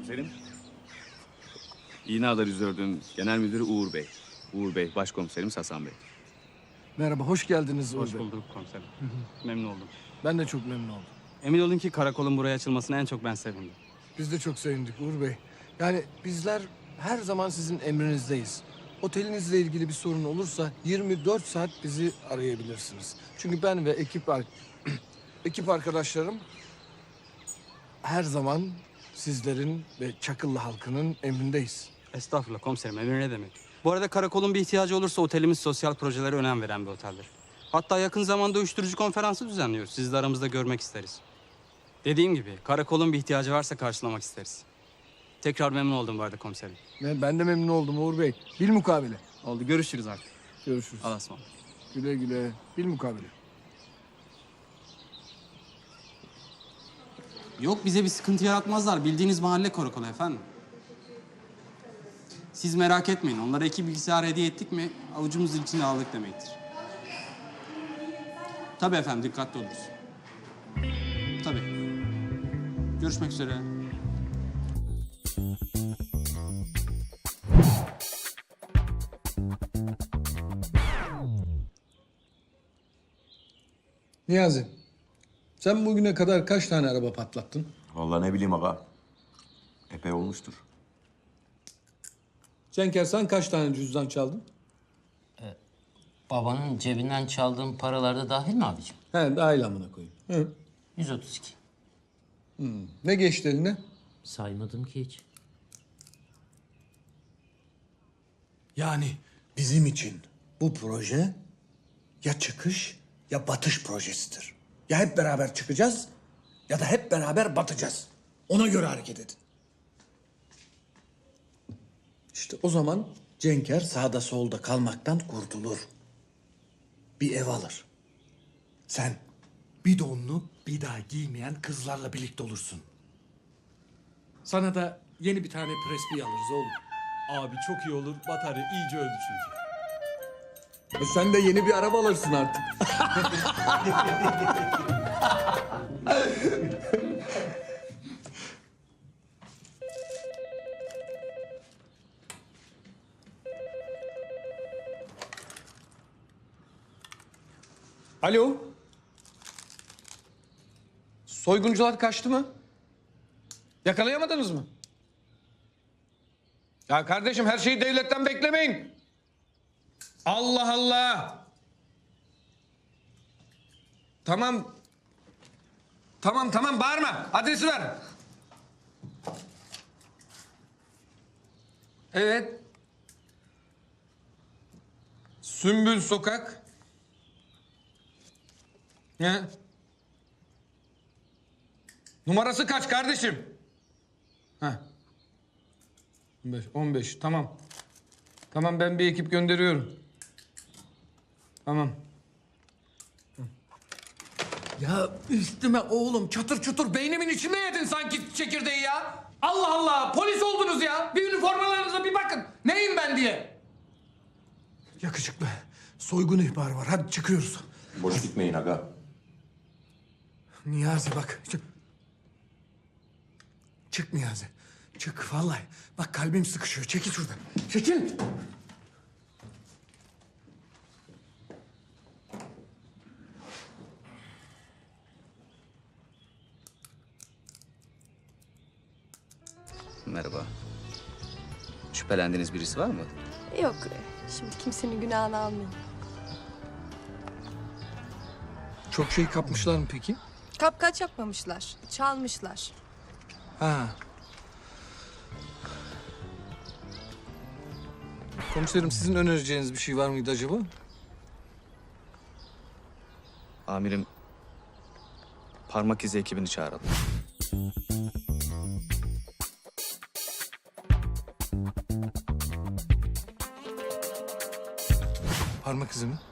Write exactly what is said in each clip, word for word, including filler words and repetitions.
Komiserim. İğneadar yüz dördün genel müdürü Uğur Bey. Uğur Bey, başkomiserimiz Hasan Bey. Merhaba, hoş geldiniz Uğur Hoş Bey. bulduk komiserim. Memnun oldum. Ben de çok memnun oldum. Emin olun ki karakolun buraya açılmasına en çok ben sevindim. Biz de çok sevindik Uğur Bey. Yani bizler her zaman sizin emrinizdeyiz. Otelinizle ilgili bir sorun olursa yirmi dört saat bizi arayabilirsiniz. Çünkü ben ve ekip ar- ekip arkadaşlarım her zaman sizlerin ve Çakıllı halkının emrindeyiz. Estağfurullah komiserim, emir ne demek? Bu arada karakolun bir ihtiyacı olursa otelimiz sosyal projelere önem veren bir oteldir. Hatta yakın zamanda uyuşturucu konferansı düzenliyoruz. Sizi de aramızda görmek isteriz. Dediğim gibi karakolun bir ihtiyacı varsa karşılamak isteriz. Tekrar memnun oldum bu arada komiserim. Ve ben de memnun oldum Uğur Bey. Bilmukabele. Oldu, görüşürüz artık. Görüşürüz. Allah'a ısmarladık. Güle güle. Bilmukabele. Yok, bize bir sıkıntı yaratmazlar. Bildiğiniz mahalle karakolu efendim. Siz merak etmeyin. Onlara iki bilgisayar hediye ettik mi avucumuzun içinde aldık demektir. Tabii efendim, dikkatli oluruz. Tabii. Görüşmek üzere. Niyazi, sen bugüne kadar kaç tane araba patlattın? Vallahi ne bileyim aga. Epey olmuştur. Cenker, sen kaç tane cüzdan çaldın? Babanın cebinden çaldığım paralar da dahil mi abicim? He, dahil amına koyayım. Hı. yüz otuz iki. Ne geçti eline? Saymadım ki hiç. Yani bizim için bu proje ya çıkış ya batış projesidir. Ya hep beraber çıkacağız ya da hep beraber batacağız. Ona göre hareket edin. İşte o zaman Cenker sağda solda kalmaktan kurtulur. Bir ev alır. Sen bir donlu bir daha giymeyen kızlarla birlikte olursun. Sana da yeni bir tane presbi alırız oğlum. Abi çok iyi olur. Batarya iyice öldü çünkü. E sen de yeni bir araba alırsın artık. Alo. Soyguncular kaçtı mı? Yakalayamadınız mı? Ya kardeşim, her şeyi devletten beklemeyin. Allah Allah. Tamam. Tamam tamam, bağırma. Adresi ver. Evet. Sümbül Sokak. Ne? Numarası kaç kardeşim? Ha. on beş, on beş, tamam. Tamam, ben bir ekip gönderiyorum. Tamam. Ya üstüme oğlum çatır çutur beynimin içinde yedin sanki çekirdeği ya. Allah Allah, polis oldunuz ya. Bir üniformalarınıza bir bakın. Neyim ben diye. Yakışıklı. Soygun ihbarı var. Hadi çıkıyoruz. Boş gitmeyin aga. Niyazi bak. Çık. Çık Niyazi. Çık vallahi. Bak kalbim sıkışıyor. Çekil şuradan. Çekil. Merhaba. Şüphelendiğiniz birisi var mı? Yok, şimdi kimsenin günahını almayayım. Çok şey kapmışlar mı peki? Kapkaç yapmamışlar, çalmışlar. Ha. Komiserim, sizin önereceğiniz bir şey var mıydı acaba? Amirim, parmak izi ekibini çağıralım. Parmak izi mi?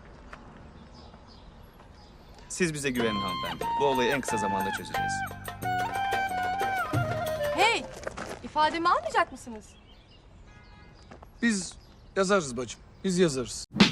Siz bize güvenin hanımefendi. Bu olayı en kısa zamanda çözeceğiz. Hey, ifademi almayacak mısınız? Biz yazarız bacım. Biz yazarız.